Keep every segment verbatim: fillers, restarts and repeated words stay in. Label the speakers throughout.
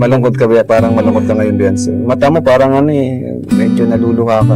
Speaker 1: Malungkot ka ba? Parang malungkot ka ngayon, Beyonce. Mata mo parang ano eh, medyo naluluha ka.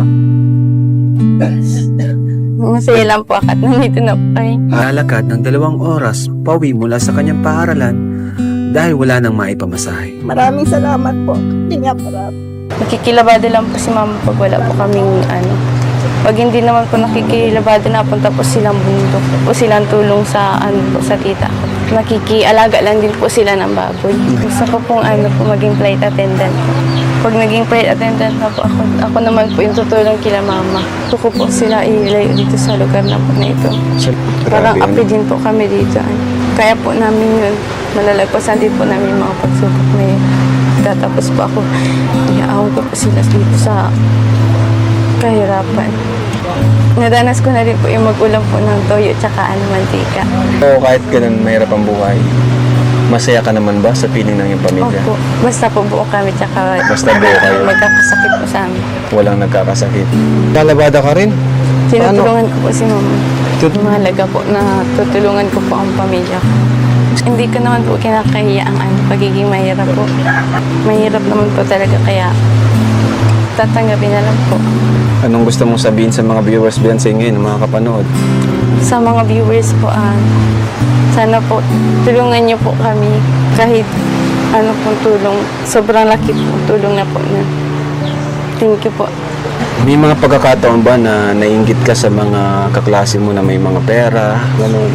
Speaker 2: Masaya lang po akat nandito na po kayo.
Speaker 3: Lalakad ng dalawang oras pauwi mula sa kanyang paaralan dahil wala nang maipamasahe.
Speaker 4: Maraming salamat po. Hindi nga marami.
Speaker 2: Nakikilabado lang po si mama pag wala po kaming ano. Pag hindi naman po nakikilabado, napunta po silang bundok. Po silang tulong sa ano po, sa tita ko. Nakikialaga lang din po sila ng baboy. Gusto ko pong ano po maging flight attendant po. Pag naging flight attendant na po ako, ako naman po yung tutulong kila mama. Gusto ko po sila ilayo dito sa lugar na po na ito. Parang
Speaker 1: Grabe,
Speaker 2: api din po kami dito. Ano. Kaya po namin yun, malalagpasan din po namin yung mga pagsubok na yun. Tatapos po ako, iaaw ko po sila dito sa kahirapan. Nadanas ko na rin po yung mag-ulam po ng toyo tsaka ano, mantika.
Speaker 1: So, kahit ganun mahirap ang buhay, masaya ka naman ba sa piling ng iyong pamilya?
Speaker 2: Opo, basta po buo kami tsaka
Speaker 1: Basta buo kayo.
Speaker 2: magkakasakit po sa amin.
Speaker 1: Walang nagkakasakit. Lalabada ka rin?
Speaker 2: Tinutulungan ko po si mama.
Speaker 1: Tut-
Speaker 2: Mahalaga po na tutulungan ko po ang pamilya ko. Hindi ko naman po kinakahiya ang ano, pagiging mahirap po. Mahirap naman po talaga kaya tatanggapin na lang po.
Speaker 1: Anong gusto mong sabihin sa mga viewers, Beyonce, ngayon, mga kapanood?
Speaker 2: Sa mga viewers po, ah, sana po tulungan niyo po kami kahit ano pong tulong. Sobrang laki po tulong na po na. Thank you po.
Speaker 1: May mga pagkakataon ba na nainggit ka sa mga kaklase mo na may mga pera? Ganun.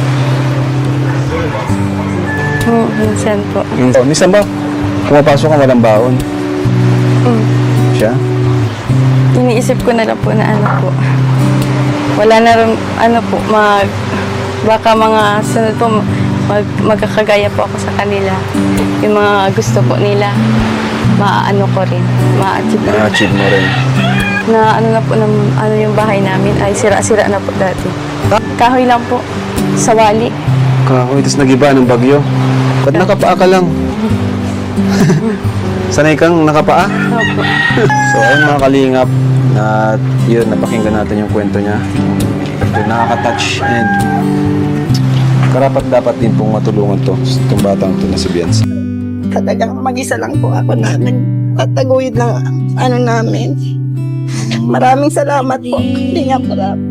Speaker 2: Hmm, minsan po.
Speaker 1: Oh, minsan ba, pumapasok ka walang baon?
Speaker 2: Hmm.
Speaker 1: Siya?
Speaker 2: Iniisip ko na lang po na ano po. Wala na rin, ano po, mag, baka mga sunod po, mag, magkakagaya po ako sa kanila. Yung mga gusto po nila, maaano ko rin, ma-achieve ko.
Speaker 1: Na-achieve mo rin.
Speaker 2: Na ano na po, ng, ano yung bahay namin, ay sira-sira na po dati. Kahoy lang po, sa wali.
Speaker 1: Kahoy, tapos nag-iba ng bagyo. Ba't nakapaa ka lang? Sanay kang nakapaa?
Speaker 2: Opo.
Speaker 1: So ayun mga kalingap, na yun, napakinggan natin yung kwento niya. Ito, nakaka-touch and karapat dapat din pong matulungan to, itong batang to na si Beyonce.
Speaker 4: Talagang mag-isa lang po ako na nagtataguyod ng ano namin. Maraming salamat po. Hindi nga marami.